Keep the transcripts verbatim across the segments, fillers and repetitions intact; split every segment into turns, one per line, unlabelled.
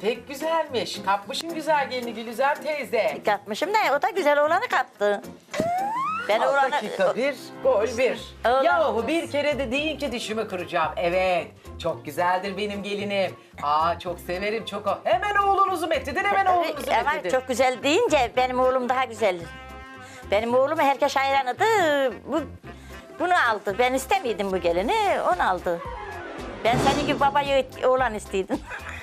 pek güzelmiş. Kapmışın güzel gelini Gülizar teyze.
Katmışım da o da güzel oğlanı kattı. Ben
Al
oğlanı...
dakika bir, gol bir.
Oğlan-
Yahu bir kere de deyin ki dişimi kıracağım. Evet, çok güzeldir benim gelinim. Aa çok severim, çok. Hemen oğlunuzu metledin, hemen oğlunuzu
Ama
metledin.
çok güzel deyince benim oğlum daha güzel. Benim oğlum herkes hayranıdı. Bu, bunu aldı. Ben istemiyordum bu gelini, onu aldı. Ben senin gibi babayı oğlan istiyordum.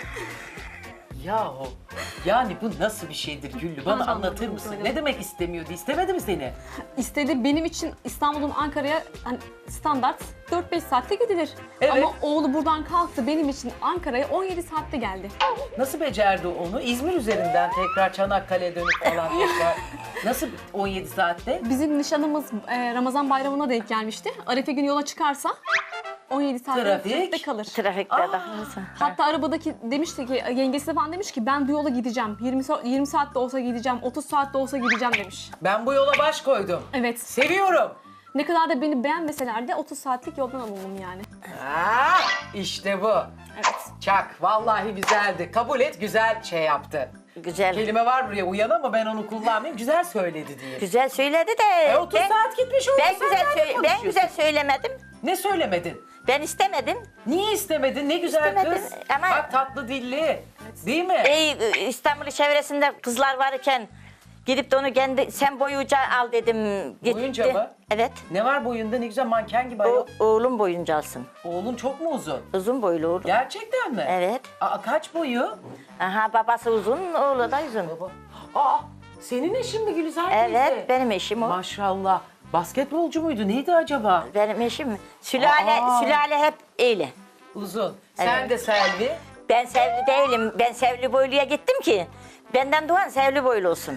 Yahu, yani bu nasıl bir şeydir Güllü? Bana
Tamam,
anlatır
tamam,
mısın?
tamam.
Ne demek istemiyordu? İstemedi mi seni?
İstedi benim için İstanbul'un Ankara'ya hani standart dört beş saatte gidilir.
Evet.
Ama oğlu buradan kalktı benim için Ankara'ya on yedi saatte geldi.
Nasıl becerdi onu? İzmir üzerinden tekrar Çanakkale'ye dönüp falan tekrar. Nasıl on yedi saatte?
Bizim nişanımız e, Ramazan bayramına denk gelmişti. Arefe günü yola çıkarsa on yedi saatte
Trafik.
trafikte kalır.
Trafikte
Aa.
daha.
Hatta arabadaki demişti ki yengesi de falan demiş ki ben bu yola gideceğim. yirmi, sa- yirmi saat de olsa gideceğim, otuz saat de olsa gideceğim demiş.
Ben bu yola baş koydum.
Evet.
Seviyorum.
Ne kadar da beni beğenmeseler de otuz saatlik yoldan alındım yani.
Aa, işte bu.
Evet.
Çak. Vallahi güzeldi. Kabul et, güzel şey yaptı.
Güzel.
Kelime var buraya uyan ama ben onu kullanmayayım. Güzel söyledi diye.
Güzel söyledi de.
E otuz
ben-
saat gitmiş oldu.
Ben
sen
güzel,
nerede
söyle- ben
konuşuyorsun?
güzel söylemedim.
Ne söylemedin?
Ben istemedim.
Niye istemedin? Ne güzel
İstemedim
kız.
ama-
Bak tatlı dilli. Değil mi?
Ey İstanbul çevresinde kızlar varken gidip de onu kendi sen boyunca al dedim. Gitti.
Boyunca mı?
Evet.
Ne var boyunda? Ne güzel manken gibi ayol.
O, oğlum boyunca alsın.
Oğlun çok mu uzun?
Uzun boylu oğlum.
Gerçekten mi?
Evet.
Aa, kaç boyu?
Aha babası uzun, oğlu da uzun.
Baba. Aa, senin eşin mi Gülizar teyze?
Evet, benim eşim o.
Maşallah. Basketbolcu muydu? Neydi acaba?
Benim eşim. Sülale,
Aa.
sülale hep öyle.
Uzun. Sen
Evet.
de Selvi.
Ben sevli değilim. Ben sevli boyluya gittim ki. Benden doğan sevli boylu olsun.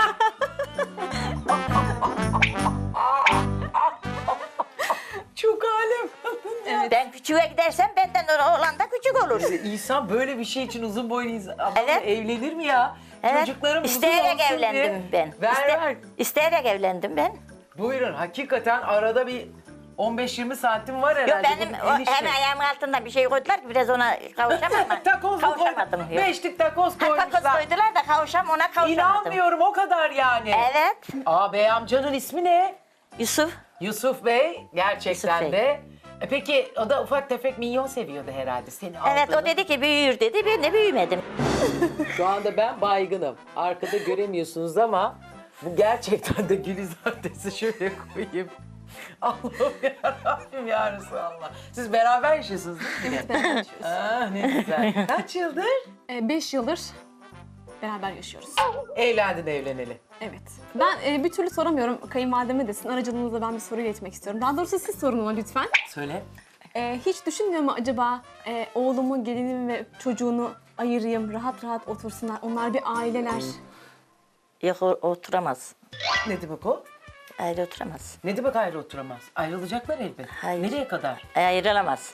Çok alem.
Ben küçüğe gidersem benden olan da küçük olur.
İnsan böyle bir şey için uzun boylu insan adamla
Evet.
evlenir mi ya?
Evet.
Çocuklarım uzun
İsteyerek
olsun
evlendim
diye.
ben.
Ver
İste-
ver.
İsteyerek evlendim ben.
Buyurun. Hakikaten arada bir on beş yirmi santim var herhalde.
Yok benim
bunun
o,
enişte.
hem ayağımın altında bir şey koydular ki biraz ona kavuşamam ama
Takoz mu
kavuşamadım.
koydun?
Yok.
Beşlik takoz
Ha, takoz
koymuşlar.
koydular da kavuşam ona kavuşamadım.
İnanmıyorum o kadar yani.
Evet.
Aa bey amcanın ismi ne?
Yusuf.
Yusuf Bey. Gerçekten
Yusuf Bey.
de. E peki o da ufak tefek minyon seviyordu herhalde seni
Evet
aldığını.
o dedi ki büyür dedi. Ben de büyümedim.
Şu anda ben baygınım. Arkada göremiyorsunuz ama bu gerçekten de Gülizar teyze şöyle koyayım. Allah'ım yarabbim ya Resulallah. Siz beraber yaşıyorsunuz değil mi?
Evet, beraber yaşıyoruz.
Ah ne güzel. Kaç yıldır?
E, beş yıldır beraber yaşıyoruz.
Evlendin evleneli.
Evet. Ben e, bir türlü soramıyorum. Kayınvalideme desin. Aracılığınızla ben bir soru iletmek istiyorum. Daha doğrusu siz sorun ona lütfen.
Söyle.
E, hiç düşünmüyor mu acaba e, oğlumu, gelinimi ve çocuğunu ayırayım, rahat rahat otursunlar. Onlar bir aileler.
Yok o- oturamaz.
Ne demek o?
Ayrı oturamaz.
Ne demek ayrı oturamaz? Ayrılacaklar elbet.
Hayır.
Nereye kadar?
Ayrılamaz.